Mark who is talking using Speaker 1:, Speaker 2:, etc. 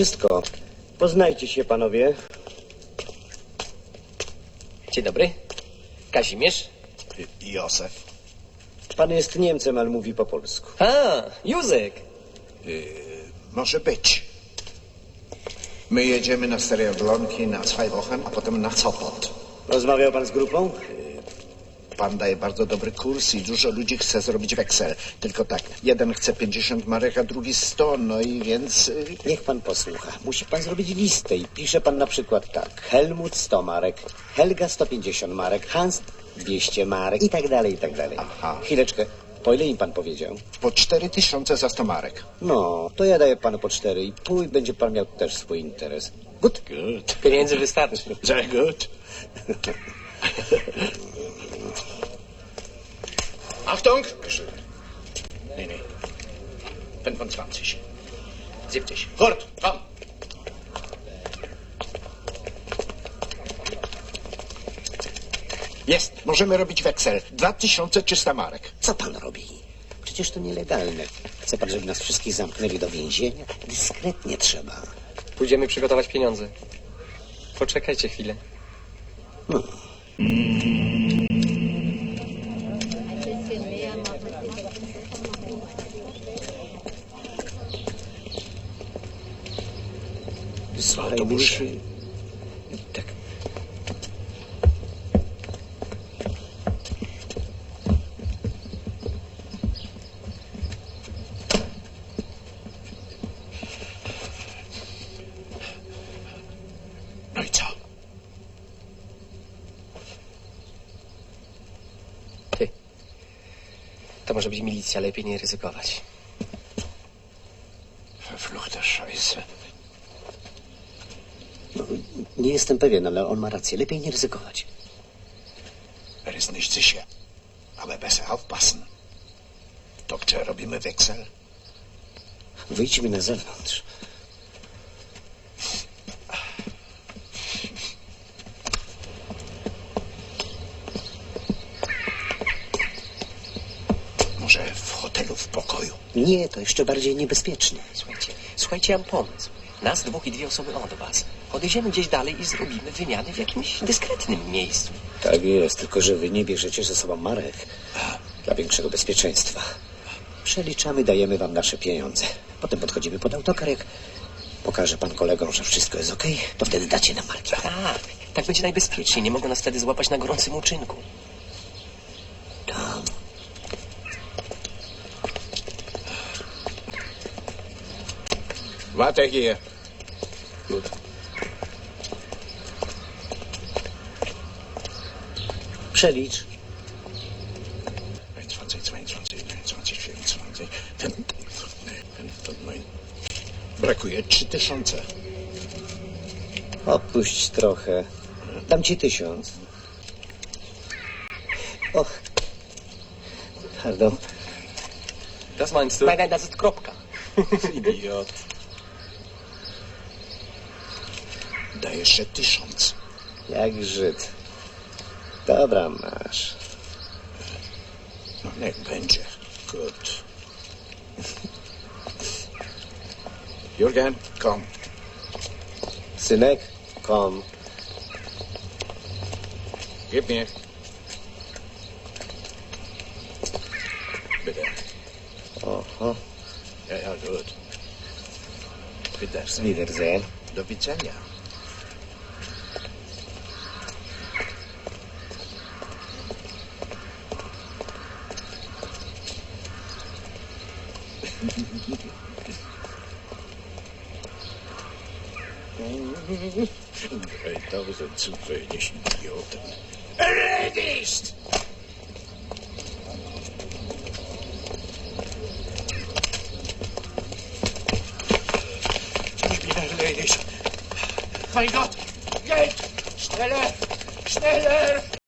Speaker 1: wszystko. Poznajcie się, panowie.
Speaker 2: Dzień dobry. Kazimierz.
Speaker 3: Józef.
Speaker 1: Pan jest Niemcem, ale mówi po polsku.
Speaker 2: A, Józek.
Speaker 3: Może być. My jedziemy na Stare Jablonki na 2 Wochen, a potem na Sopot.
Speaker 1: Rozmawiał pan z grupą?
Speaker 3: Pan daje bardzo dobry kurs i dużo ludzi chce zrobić weksel. Tylko tak, jeden chce 50 marek, a drugi 100, no i więc...
Speaker 1: Niech pan posłucha. Musi pan zrobić listę i pisze pan na przykład tak. Helmut 100 marek, Helga 150 marek, Hans 200 marek i tak dalej, i tak dalej.
Speaker 3: Aha.
Speaker 1: Chwileczkę. Po ile im pan powiedział?
Speaker 3: Po 4000 za 100 marek.
Speaker 1: No, to ja daję panu po 4,5 i będzie pan miał też swój interes. Good?
Speaker 3: Good.
Speaker 2: Pieniędzy wystarczy.
Speaker 3: Sehr gut. Achtung! Nee, nee. 25. 70. Gut, komm. Jest, możemy robić weksel. 2300 marek.
Speaker 1: Co pan robi? Przecież to nielegalne. Chce pan, żeby nas wszystkich zamknęli do więzienia? Dyskretnie trzeba.
Speaker 2: Pójdziemy przygotować pieniądze. Poczekajcie chwilę.
Speaker 3: Autobus.
Speaker 1: Tak.
Speaker 3: No i co?
Speaker 2: Ty. To może być milicja, lepiej nie ryzykować.
Speaker 3: Verfluchte Scheiße.
Speaker 1: No, nie jestem pewien, ale on ma rację. Lepiej nie ryzykować.
Speaker 3: Er ist nicht sicher. Aber besser aufpassen. Doktor, robimy weksel?
Speaker 1: Wyjdźmy na zewnątrz.
Speaker 3: Może w hotelu w pokoju?
Speaker 1: Nie, to jeszcze bardziej niebezpiecznie.
Speaker 2: Słuchajcie, mam pomysł. Nas 2 i 2 osoby od was. Podejdziemy gdzieś dalej i zrobimy wymianę w jakimś dyskretnym miejscu.
Speaker 1: Tak jest, tylko że wy nie bierzecie ze sobą marek. Dla większego bezpieczeństwa. Przeliczamy, dajemy wam nasze pieniądze. Potem podchodzimy pod autokar, jak pokaże pan kolegom, że wszystko jest okej, to wtedy dacie nam marki.
Speaker 2: Tak będzie najbezpieczniej. Nie mogą nas wtedy złapać na gorącym uczynku.
Speaker 1: Tam.
Speaker 3: Warte hier.
Speaker 2: Gut.
Speaker 1: Przelicz.
Speaker 3: 21, 22, 23, 24, 5, Brakuje 3000.
Speaker 1: Opuść trochę. Dam ci 1000. Och. Pardon.
Speaker 2: Das meinst du? Nein, das ist kropka.
Speaker 3: Idiot. Daj jeszcze 1000.
Speaker 1: Jak Żyd. Dobra, masz.
Speaker 3: No niech będzie. Gut. Jürgen, komm.
Speaker 1: Synek, kom.
Speaker 3: Gib mir. Bitte.
Speaker 1: Oho.
Speaker 3: Ja, ja, gut. Wiedersehen.
Speaker 1: Wiedersehen.
Speaker 3: Do widzenia. Dreitausend zu wenig Idioten. Erledigt! Ich bin erledigt. Mein Gott! Geld! Schneller! Schneller!